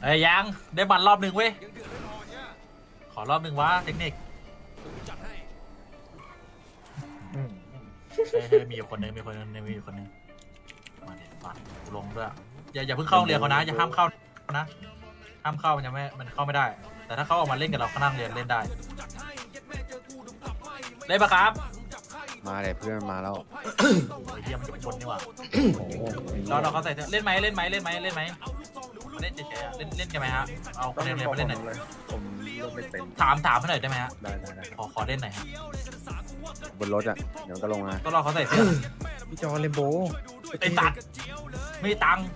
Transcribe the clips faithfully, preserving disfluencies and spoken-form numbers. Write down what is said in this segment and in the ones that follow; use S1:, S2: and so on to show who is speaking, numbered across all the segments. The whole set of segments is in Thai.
S1: อ้ยยังได้บัตรรอบหนึ่งเว้ยขอรอบหนึ่งวะเทคนิคเฮ้ยเฮ้ยมีอยู่คนหนึงมีคนหนึงมีอยู่คนหนึงมาเด็ดบัตรลงด้วยอย่าอย่าเพิ่งเข้าโรงเรียนเขานะอย่าห้ามเข้านะห้ามเข้ามันยังไม่มันเข้าไม่ได้แต่ถ้าเขาออกมาเล่นกับเราเขานั่งเรียนเล่นได้เล่นปะครับ
S2: มาเลยเพื่อนมาแล้ว
S1: โอ้ยเยี่ยมเป็นคนนี่หว่าเราเราเขาใส่เล่นไหมเล่นไหมเล่นไหมเล่นไหมเล่นเฉยๆเล่นเล่นกันไหมฮะเอาคะแนนเรียนมาเล่นหน่อย
S2: ผมเล่นไม่เป็น
S1: ถามถามให้หน่อยได้ไหมฮะ
S2: ได้ได้ได้
S1: ขอขอเล่นหน่อยฮะ
S2: บนรถอ่ะเดี๋ยวก็ลงมา
S1: ก็รอเขาใส่เสื้อ
S2: พี่จอเลมโบ
S1: ไอ้ตัดไม่ตัง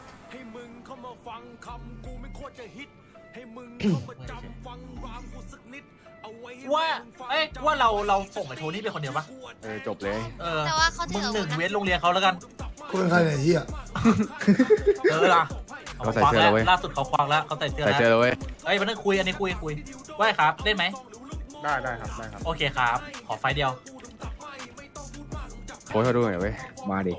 S1: ว่าเอ้ยว่าเราเราส่งไอ้โทนี่ไปคนเดียวปะ
S2: เออจบเลย
S1: เออมึงหนึ่งเวทโรงเรียนเขาแล้วกัน
S3: กูเป็นใครไหนเฮีย
S1: เออล่ะเขาใส่เสื้อแล้วล่าสุดเขาควักแล้วเขาใส่เสื้อแล้ว
S2: ใส่เสื้อแล้วเว้ย
S1: เอ้ยมันต้องคุยอันนี้คุยคุยว่าครับเล่นไหม
S2: ได้ได้ครับได้ครับ
S1: โอเคครับขอไฟเดียว
S2: โค้ชเขาดูหน่อยเว้ยมาดิ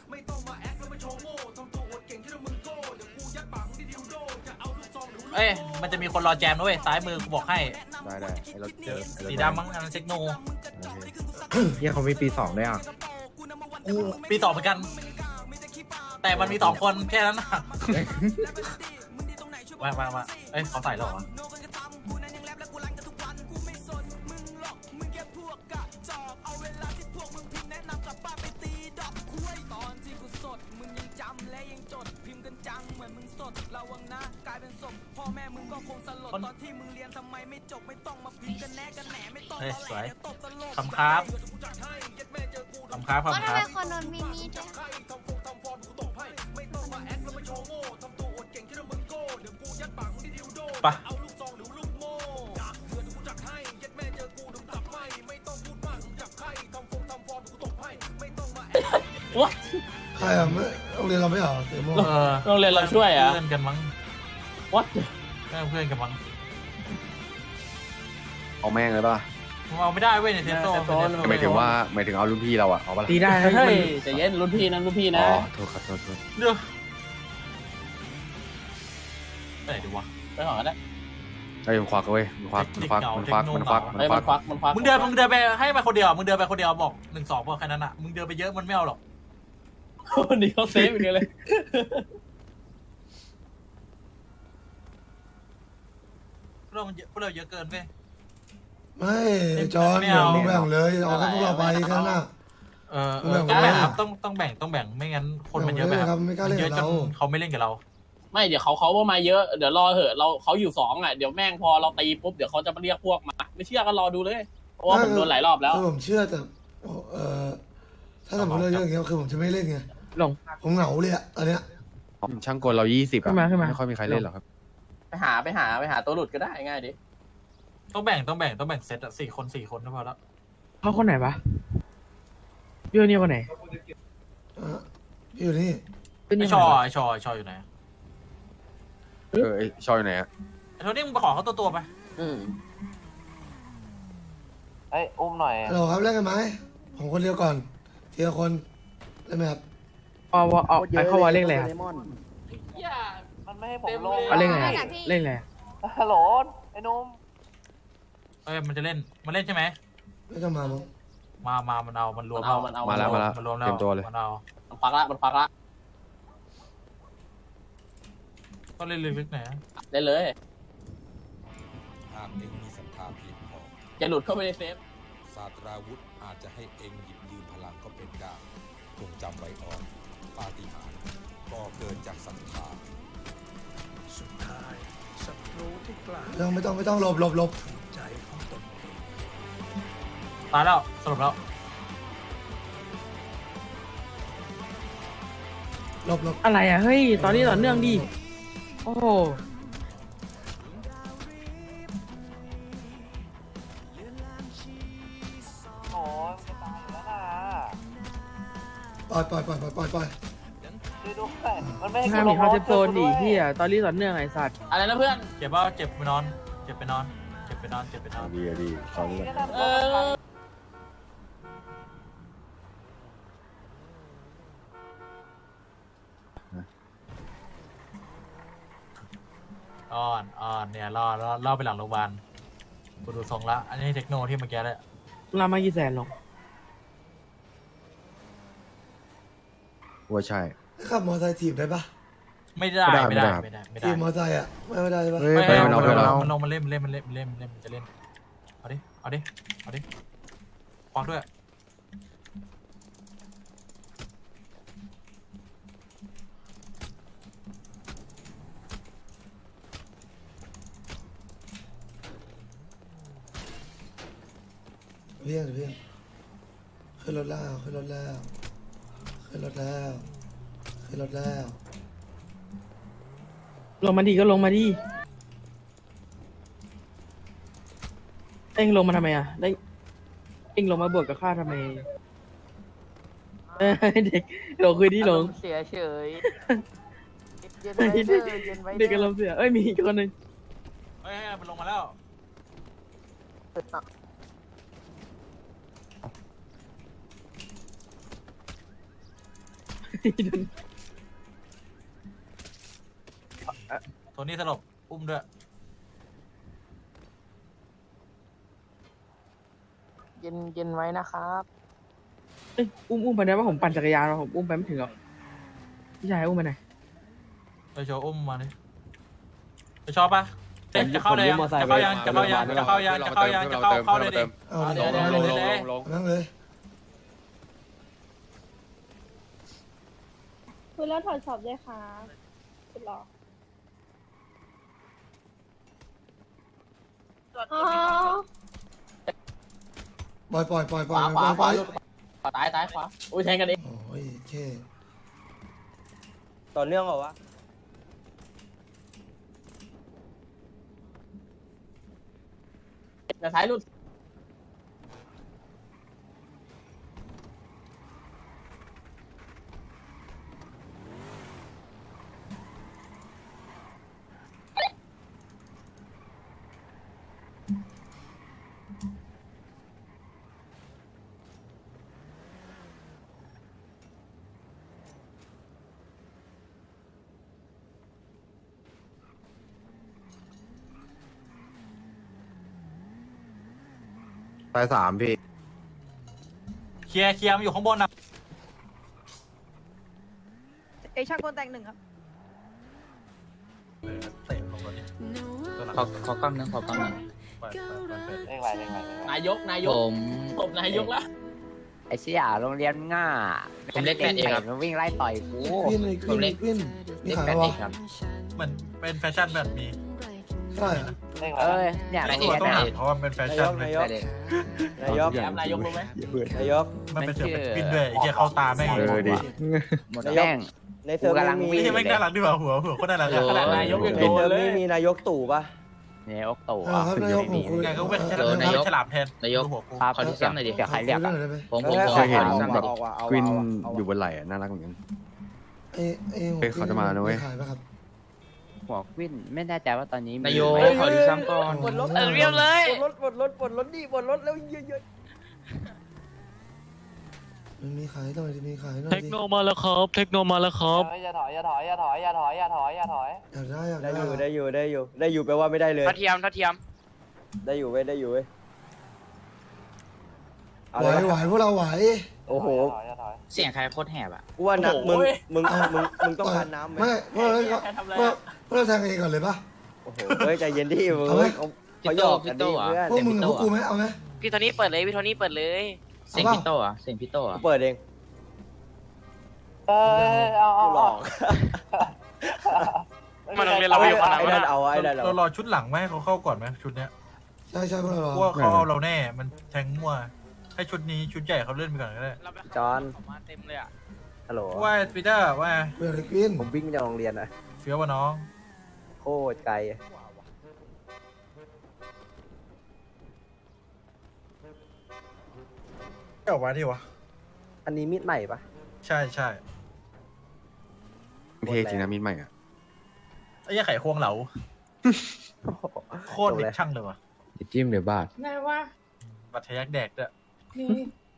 S1: เอ้ยมันจะมีคนรอแจมด้วยซ้ายมือกูบอกให้
S2: ได้ได้ไอ้รถเจอ
S1: สีดำมั้งอันนั้นเทคโน
S2: เฮียเขามีปีสองด้วยอ่ะ
S1: กูปีสองเหมือนกันแต่มันมีสองคนแค่นั้นนะมามามาเอ้ยเขาใส่แล้วเหรอเฮ้ยสวยคำครับคำครับคำครับ
S4: ว่าทำไมคนโดนมีมีด้วย
S1: ปะวะ
S3: ใครอ่ะไม่โรงเรียนเราไม่เหรอเตโม
S1: โรงเรียนเราช่วยอ่ะเพื่อนกันมั้งวัดเพื่อนกันมั้ง
S2: เอาแม่งเลยป่ะ
S1: เอาไม่ได้เว้ยในเทสโต้
S2: หมายถึงว่าหมายถึงเอารุ่นพี่เราอ่ะเอาป่ะ
S1: ตีได้เฮ้ยแต่เย็นรุ่นพี่นะรุ่นพี่นะ
S2: อ๋อโทษครับโทษโทษ
S1: เดี๋ยวไปไหนดีวะไปหอได้
S2: ไอ้มันควักเว้ยมันควักมันควักมันควักมันควักมันควัก
S1: มันควักมึงเดินมึงเดินไปให้ไปคนเดียวมึงเดินไปคนเดียวบอกหนึ่งสองพอแค่นั้นอ่ะมึงเดินไปเยอะมันไม่เอาหรอก
S5: คนนี้เขาเซฟอย่างเดียวเลย
S1: พวกเรามันเยอะพวกเราเยอะเกินเว้ย
S3: ไม่จอนเดี๋ยวมึงแบ่งเลยเอาแค่พวกเราไปแค่นั้น
S1: เออต้องแบ่งต้องต้องแบ่งต้องแบ่งไม่งั้นคนมันเยอะไปครับเยอะจนเขาไม่เล่นกับเรา
S5: ไม่เดี๋ยวเขาเขามาเยอะเดี๋ยวรอเหอะเราเขาอยู่สองอ่ะเดี๋ยวแม่งพอเราตีปุ๊บเดี๋ยวเขาจะมาเรียกพวกมาไม่เชื่อก็รอดูเลยเพราะว่าผมโดนหลายรอบแล้ว
S3: ผมเชื่อแต่เออถ้าสมมติเราเยอะอย่างเงี้ยคือผมจะไม่เล่นไง
S5: ลง
S3: ผมเหงาเลยอะอันเนี้ย
S2: ช่างกลเรายี่สิบอะไม่ค่อยมีใครเล่นหรอกครับ
S5: ไปหาไปหาไปหาตัวหลุดก็ได้ง่ายดิ
S1: ต้องแบ่งต้องแบ่งต้องแบ่งเซตอะสี่คนสี่คนก็พอแล้ว
S5: เขาคนไหนปะพี่เนี่ยคนไหน
S3: พี่อยู่นี่
S1: ไอชอไอชอไอชออยู่ไหน
S2: เออไอชออยู่ไหนอะ
S1: ไอโทนี่มึงไปขอเขาตัวตัวไป
S5: อืม
S6: ไออุ้มหน่อย
S3: ฮัลโหลครับเล่นกันไหมผมคนเดียวก่อนทีละคนเล่นไหมครับ
S5: เอาเอาไปเข้าวาเล่นอะไรครับ
S6: มันไม่ให้ผมลง
S5: เล่นไงเล่นไง
S6: ฮัลโหลไอ้นุ่ม
S1: เอ้ยมันจะเล่นมันเล่นใช่ไหม
S3: ไม่ต้องมามั้ง
S1: มามามันเอามันรวม
S5: เอามันเอา
S2: มาแล้วมาแล้ว
S1: มันรวมแล้ว
S2: เต็มตัวเลย
S1: มันเอา
S5: มันฟักละมันฟักละ
S1: ก็เล่นลึกๆหน่อย
S5: ได้เลย
S7: หากเองมีศรัทธาเพียงพอ
S5: จะหลุดเข้าไปในเซฟ
S7: ศาสตราวุธอาจจะให้เองหยิบยืมพลังก็เป็นได้จงจำไว้อ่อนปาฏิหาริย์ก็เกิดจากศรัทธา
S3: สุดท้ายศัตรูที่กล้าไม่ต้องไม่ต้องไม่ต้องหลบหลบหลบใจของตน
S1: ตายแล้วสรุปแล้ว
S3: หลบหลบ
S5: อะไรอ่ะเฮ้ยตอนนี้ต่อเนื่องดิโอ้
S6: โอ้ยจะตายแล้วนะ
S3: ปล่อยปล่อยปล่อยปล่อยปล่อยปล่อย
S6: ดูดูมันไม่ให้
S5: ห้ามมีเขาจะโซนดิพี่อ่ะตอนนี้ต่อเนื่องไอ้สัตว์อะไรนะเพื่อน
S1: เจ็บป่ะเจ็บไปนอนเจ็บไปนอนเจ็บไปนอนเจ็บไปนอน
S2: ดีดีตอนนี้
S1: อ่อนอ่อนเนี่ยรอรอรอไปหลังโรงพยาบาลกูดูทรงละอันนี้เทคโนที่เมื่อกี้เลย
S4: รามากี่แสนหรอ
S2: ว่าใช่
S3: ขับมอเตอร์ไซค์ถีบได้ปะ
S1: ไม่ได้
S2: ไม่
S1: ไม่
S2: ได้
S1: ได้
S2: ไม่
S1: ไม่
S2: ได้
S1: ได้ไม่ได้
S3: ถีบมอเตอร์ไซค์อ่ะไม่ไม่ได้ปะ
S2: เฮ้ย
S1: ไม่
S2: ไป
S1: ให้
S2: มันเอา
S1: มัน
S2: ไปเรา
S1: มันลงมันเล่นมันเล่นมันเล่นมันเล่นมันเล่นมันจะเล่นเอาดิเอาดิเอาดิควักด้วย
S3: เพี้ยงเพี้ยงขึ้นรถแล้วขึ้นรถแล้วขึ้นรถแล้วขึ้นรถแล้ว
S4: ลงมาดีก็ลงมาดีเอ็งลงมาทำไมอ่ะได้เอ็งลงมาบวกกับข้าทำไมเออเด็กหลงคืนที่หลง
S6: เสียเฉยเย็น
S4: เด็
S6: ไว้
S4: ก
S6: เด้อเย็นไว้
S4: เด็กอารมณ์เสียเอ้ยมีอีกคนหนึ่ง
S1: เฮ้ยมันลงมาแล้ว โทนี่สลบอุ้มด้วย
S6: เย็นเย็นไว้นะครับ
S4: เอ้ยอุ้มอุ้มไปได้ว่าผมปั่นจักรยานมาผมอุ้มไปไม่ถึงหรอกพี่ชายอุ้มไปไหน
S1: ไปโชว์อุ้มมาดิไปชอบปะเอ๊ะจะเข้าเลยยังจะเข้ายังจะเข้ายังจะเข้ายังจะเข้ายังจะเข้าเข้าเลยดิ
S3: เอา
S1: เอา
S3: เล
S1: เดี๋ยวย เดี๋ยวเดี๋ยวเดี๋ยว
S2: ลง
S3: นั่งเลย
S8: คุณแล้วถอดสอบด้วยค่ะคุณรออ๋อ
S3: ปล่อยปล่อยปล่อยป
S5: ข
S3: ล่อ
S5: วาย ขวา
S3: ปล่อย
S5: ข
S3: ปล่
S5: วา
S3: อย
S5: ขวาตายตายขวาอุ้ยแทงกันเอง
S3: โอ้ยเค
S6: ต่อเนื่องเหรอวะ
S5: แต่ท้ายรุ่น
S2: ตายสามพี่
S1: เคลียร์เคลียร์มันอยู่ข้างบนนะ
S8: เอยช่างกลแต่งหนึ่งครับ
S1: เออเตะลงรถดิตัวหลัง
S9: ขอขอกล้องนึงขอกล้องนึง
S1: ไปไปไปไป
S6: เร่งไหวเร่งไหวเร่งไหวน
S5: ายกนายก
S9: ผม
S5: ผมนายกละ
S9: ไอเสี่ยโรงเรียนง่าผมเล็กแปดเอกครับวิ่งไล่ต่อยกู
S3: วินเลย
S9: ผมเล็ก
S3: วินมี
S9: เล็ก
S3: ขาย
S9: แปด
S3: วะ
S9: เอกครับ
S1: เหมือนเป็นแฟชั่นแบบมี
S3: ใช่อะ
S6: เร่งไหว
S9: เอ้ยเนี่ย
S1: ต้
S9: โร
S1: อง
S9: งเรียน
S1: ต้อง
S9: แปด
S1: หา
S9: เอก
S1: เพราะว่ามันเป็นแฟชั่นเลย
S9: แปดเอก
S6: นายก
S5: แอมนายกรู้ไหม
S6: นายก
S1: มันเป็นเสือเป็นวินด้วยไอ้เหี้ยเข้าตาแม่ง
S2: เออดิ
S9: หมดแม่ง
S6: ในเซิร์ฟ
S9: กูกำลังวิ่
S1: นี่
S9: ง
S1: แม่งน่ารักดีว่ะหัวหัวโคตรน่ารัก
S9: โอ้
S1: อะ
S9: โห
S1: ขนาดนายกยัง
S6: ใน
S1: โดน
S6: เซิร์ฟ
S1: เลย
S6: นี่มีนายกตู่ปะ
S9: เนี่ยอกตู่
S3: เออครับนายกผมคุย
S1: ไงก็เป็น
S3: เออ
S9: เออนายก
S1: ฉลามแทน
S9: นายก
S1: ดูหัวกู
S9: ขอที่ซ้ำหน่อยดิ
S3: เดี๋ยวใครเรียกอะ
S9: ผมผมผม
S2: เคยเห็น
S9: ขอที่ซ้ำห
S2: แบ
S9: น่อย
S2: บ
S9: ดิ
S2: ควินอยู่บนไหล่อะน่ารักเหมือนกัน
S3: ไอ้ไอ้หัว
S2: เฮ้ยเขาจะมานะเว้ย
S3: ขายปะครับ
S9: หัววินไม่แน่ใจว่าตอนนี้มี
S4: นายก
S9: ไหม
S4: ขอที่ซ้ำก่อน
S3: ปวดรถ
S6: เออเรียบเลยปวดรถปวดรถปวดรถดิปวดรถแล้วเยอะ
S3: มันมีขายหน่อยดิมีขายหน่อย
S4: เท
S3: ดิ
S4: คโนมาแล้วครับเทคโนมาแล้วครับ
S6: อย่าถอยอย่าถอยอย่าถอยอย่าถอยอย่าถอยอย่าถอย
S3: อยากได้อยาก
S6: ได้
S3: ได้
S6: อยู่ได้อยู่ได้อยู่ได้อยู่แปลว่าไม่ได้เลย
S9: ทัดเทียมทัดเทียม
S6: ได้อยู่เว้ยได้อยู่เว้ย
S3: ไหวไหวพวกเราไหว
S6: โอ้โห
S9: เสียงใครโคตรแหบอ่ะ
S6: กูว่านักมึงมึงมึงมึงต้องการน้ำไหม
S3: ไม่พวกเราก็
S5: แค่ทำอะไร
S3: พวก
S5: อะ
S3: พวกเราแทงกันเองก่อนเลยปะ
S6: โอ้โหเฮ้ยใจเย็นดิมึง
S3: เอาไหม
S6: เขาเขาหยอกกันดิเพื่อน
S3: พวกมึงกับพวกกูไหมเอาไหม
S9: พี่โทนี่เปิดเลยพี่โทนี่เปิดเลย เสียง
S3: เอาเปล่า
S9: พี่โตอ่ะเสียงพี่โตอ่ะ
S6: กูเปิดเองเออเอาเอากูหลเอาอก
S9: มันโรงเรียนเรา
S6: ไอ้
S9: ไม่พอ
S6: นั่นเอาไอ้นั่นเอา
S1: เรารอชุดหลังไหมเขาเข้าก่อนไหมชุดเนี้ย
S3: ใช่ใช่พวกเรารอ
S1: เพราะว่าเขาเอาเราแน่มันแทงมั่วให้ชุดนี้ชุดใหญ่เขาเล่นไปก่อนก็ได้
S6: จอน
S9: มาเต็มเลยอ่ะ
S6: ฮัลโหล
S1: ว่าปีเตอร์ว่า
S3: เพื่อนกิน
S6: ผมวิ่งจากโรงเรียนอะ
S1: เฟี้ยววะน้อง
S6: โคตรไกล
S1: เอ้ามาดิวะ
S6: อันนี้มีดใหม่ปะ
S1: ใช่ใช่
S2: เท่จริงนะมินใหม่อ่ะ
S1: ไอ้ยี่ไข่ควงเหลาโคตรเด็กช่างเลยวะ
S2: จิ้มเดี๋ยวบาด
S4: นายว่า
S1: บัตรทะยักแดกด้วย
S4: นี่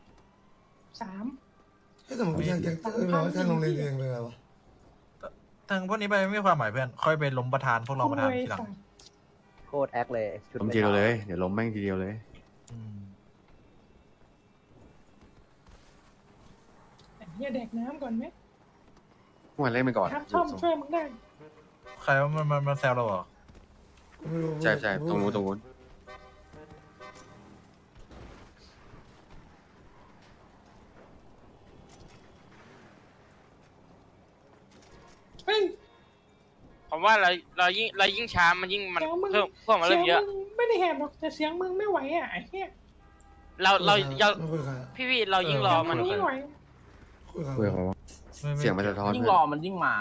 S4: สาม
S3: ให้ยแต่ผมกูแทงแทงเออเราแทงโรงเรียนเองเลยเหรอวะ
S1: แททางพวกนี้ไปไม่มีความหมายเพื่อน ค่อยไปล้มประธานพวกเราประธานทีหลัง
S9: โคตรแอคเลยชุด
S2: ล้มทีเดียวเลยเดี๋ยวล้มแม่งทีเดียวเลย
S1: อืม
S6: เฮียแดกน้ำก่อนไหม
S2: พวกมันเล่นไปก่อน
S6: ครับช่อมช่วยมึงได้
S1: ใครว่ามันมันมันแซวเราเหรอ
S3: กูไม่รู้
S2: ใช่ใช่ตรงนู้นตรงนู้น
S6: เฮ้ย
S10: ผมว่าเราเรายิ่งเรายิ่งช้ามันยิ่งมัน
S6: เสียงมึง
S10: เพิ่มเพิ่มมาเริ่มเยอะ
S6: สีงมึงไม่ได้แหบหรอกแต่เสียงมึงไม่ไหวอ่ะไอ้เฮีย
S10: เราเราเรา
S3: ไม่คุยกับใครอะ
S10: พี่พี่เรายิ่งรอมัน
S6: เสียงไม่ไหว
S3: คุยกับใคร
S2: คุยกับเขาเสียงมันจะท้อน
S5: ยิ่ง
S2: เพื่
S5: ร
S2: อ
S5: อน มันยิ่งมา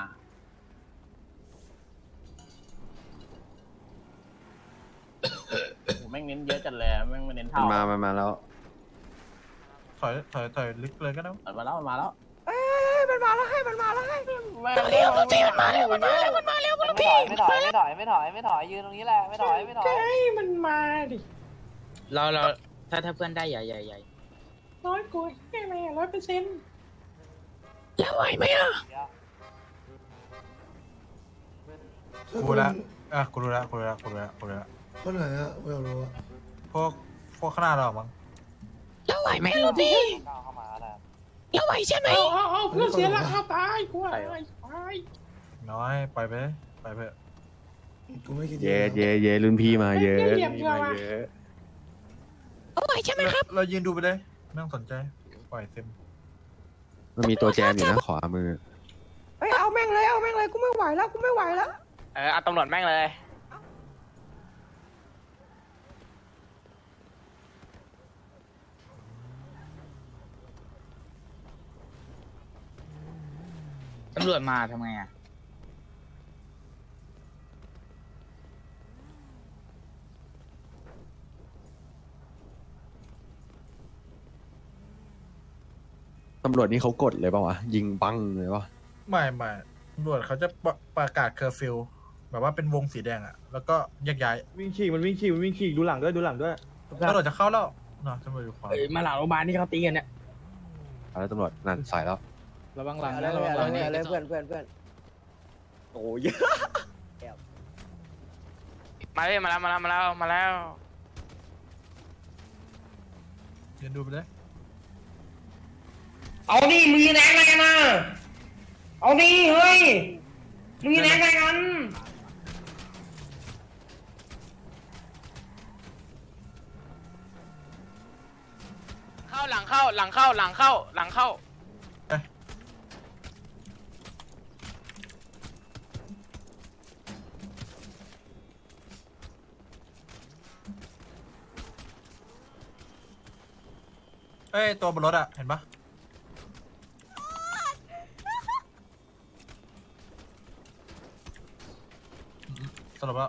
S5: โอ้โหแม่งเน้นเยอะจัดเลยแม่งไม่เน้น
S2: มั
S5: เท่าน
S2: มามันมาแล้ว
S1: ถอยถอยถอยลึกเลยก็ได้
S5: มันมาแล้วมันมาแล้ว
S8: เอ้ยมันมาแล้วให้มันมาแล้วให้
S5: แม่งเร็วพี่มันมาแล้วมันมาแล้วมันมาแล้ว
S9: ไม่ถอยไม่ถอยไม่ถอยไม่ถอยไม่ถอยยืนตรงนี้แหละไม่ถอยไม่ถอย
S6: ก็ให้มันมาดิ
S10: เราเราถ้าถ้าเพื่อนได้ใหญ่ใหญ่ใหญ่
S6: ร้อยกูแค่ไหนร้อยเปอร์เซ็นต์
S10: จะไหวไหมอ่ะ
S1: กูละอ่ะกูรู้ละกูรู้ละกูรู้ละกูรู้ละ
S3: คนไหนอะกูอยากรู้อะ
S1: พวกพวกข้างหน้าเรามั้ง
S10: จะไหวไหมลูกพี่
S9: ก้าวเข้ามาแล้ว
S10: จะไหวใช่ไหม
S6: เอาเอาเอาเพื่อนเสียหลักเอาตายกูตายตาย
S1: น้อยไปไปไปเพื่อะ
S3: กูไม่คิด
S2: เย่เย่เย่รุ่นพี่มาเยอะ
S6: ไม่เหยียบ
S2: รุ่น
S6: เก
S2: พี่
S6: ลือ
S2: มา
S6: ว่ะ
S2: เยอะ
S10: จะไหวใช่ไหมครับ
S1: เรายืนดูไปเลยไม่ต้องสนใจปล่อยเต็ม
S2: มันมีตัวแจมอยู่นะขวามือ
S8: เฮ้ยเอาแม่งเลยเอาแม่งเลยกูไม่ไหวแล้วกูไม่ไหวแล้ว
S10: เออเอาตำรวจแม่งเลยตำรวจมาทำไงอ่ะ
S2: ตำรวจนี่เขากดเลยเปล่าวะยิงบังเลยปะ
S1: ไม่ไม่ตำรวจเขาจะประประกาศเคอร์ฟิวแบบว่าเป็นวงสีแดงอะแล้วก็แยกย้าย
S4: วิ่งฉีกมันวิ่งฉีกมันวิ่งฉีกดูหลังด้วยดูหลังด้วย
S1: ตำรวจจะเข้าแล้วเนาะตำรวจอยู่ขวา
S4: เอ้ยมาหลังโรงพยาบาลที่เขาตีกันเนี่ย
S2: เอาแล้วตำรวจนั่นสายแล้ว
S4: ระวังหลัง
S9: อะไร
S4: นะระวังห
S9: อะไร
S4: ลังนะ
S9: อะไรเพื่อนเพื่อนเพื่อน
S2: โอ้ย
S10: มาเลยมาแล้วมาแล้วมาแล้วมาแล้ว
S1: ยืนดูไปเลย
S6: เอาดิมึงยืนแรงอะไรกันนะเอาดิเฮ้ยมึงยืนแรงอะไรกัน
S10: เข้าหลังเข้าหลังเข้าหลังเข้าหลังเข้า
S1: เอ้ยตัวบนรถอะเห็นปะสรุปแล้ว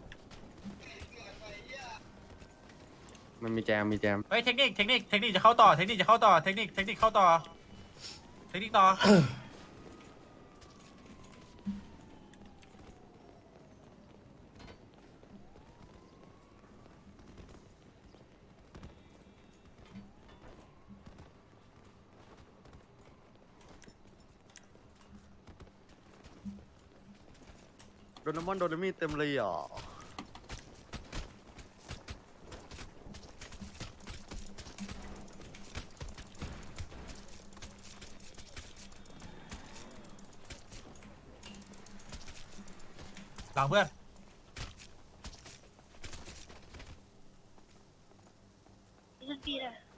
S2: มันมีแจมมีแจม
S1: เฮ้ยเทคนิคเทคนิคเทคนิคจะเข้าต่อเทคนิคจะเข้าต่อเทคนิคเทคนิคเข้าต่อเทคนิคต่อ
S2: โดนน้ำมันโดนมีดเต็มเลยอ่ะ
S1: หลังเพื่อน
S8: พี่นะ